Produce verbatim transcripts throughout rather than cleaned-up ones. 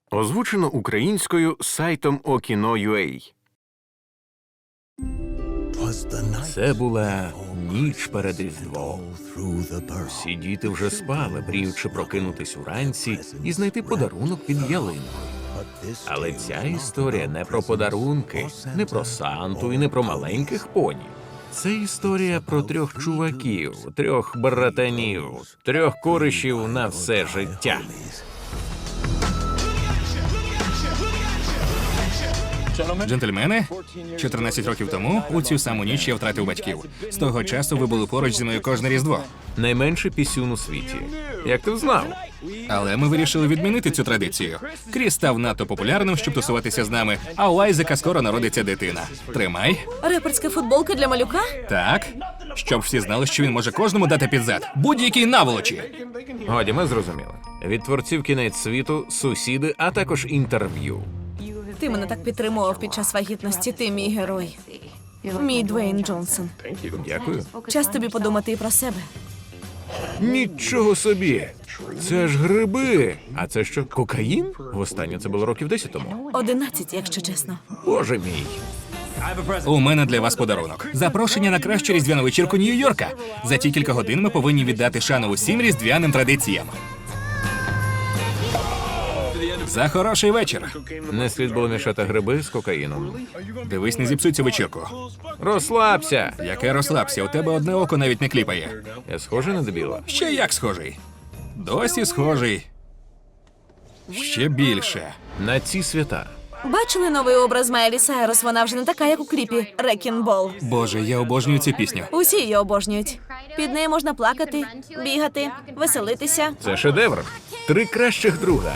Озвучено українською сайтом Okino.ua. Це була ніч перед Різдвом. Всі діти вже спали, мріючи прокинутись уранці і знайти подарунок під ялинкою. Але ця історія не про подарунки, не про Санту і не про маленьких поні. Це історія про трьох чуваків, трьох братанів, трьох коришів на все життя. Джентльмени, чотирнадцять років тому у цю саму ніч я втратив батьків. З того часу ви були поруч зі мною кожне Різдво. Найменший пісюн у світі. Як ти знав? Але ми вирішили відмінити цю традицію. Кріс став надто популярним, щоб тусуватися з нами, а у Айзека скоро народиться дитина. Тримай. Реперська футболка для малюка? Так. Щоб всі знали, що він може кожному дати під зад. Будь-якій наволочі. Годі, ми зрозуміли. Від творців «Кінець світу», «Сусіди», а також інтерв'ю. Ти мене так підтримував під час вагітності, ти мій герой. Мій Двейн Джонсон. Дякую. Час тобі подумати і про себе. Нічого собі! Це ж гриби! А це що, кокаїн? Востаннє це було років десять тому. Одинадцять, якщо чесно. Боже мій! У мене для вас подарунок. Запрошення на кращу різдвяну вечірку Нью-Йорка. За ті кілька годин ми повинні віддати шану усім різдвяним традиціям. За хороший вечір. Не слід було мішати гриби з кокаїном. Дивись, не зіпсуй цю вечірку. Розслабся! Яке розслабся, у тебе одне око навіть не кліпає. Я схожий на дебіла? Ще як схожий. Досі схожий. Ще більше. На ці свята. Бачили новий образ Майлі Сайрус? Вона вже не така, як у кліпі «Wrecking Ball». Боже, я обожнюю цю пісню. Усі її обожнюють. Під нею можна плакати, бігати, веселитися. Це шедевр. Три кращих друга.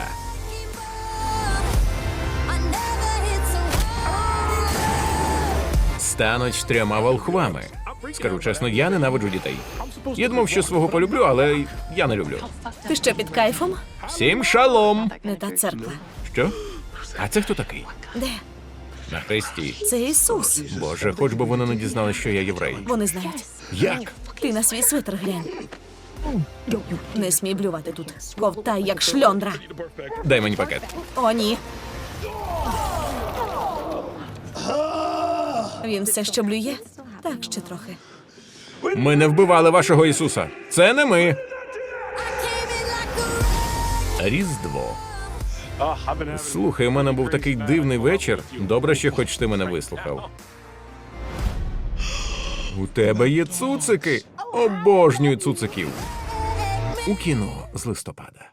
Стануть трьома волхвами. Скажу чесно, я ненавиджу дітей. Я думав, що свого полюблю, але я не люблю. Ти що, під кайфом? Всім шалом! Не та церква. Що? А це хто такий? Де? На хресті. Це Ісус. Боже, хоч би вони не дізнали, що я єврей. Вони знають. Як? Ти на свій свитер глянь. Не смій блювати тут. Ковтай, як шльондра. Дай мені пакет. О, ні. Він все ще блює? Так, ще трохи. Ми не вбивали вашого Ісуса. Це не ми. Різдво. Слухай, у мене був такий дивний вечір. Добре, що хоч ти мене вислухав. У тебе є цуцики. Обожнюю цуциків. У кіно з листопада.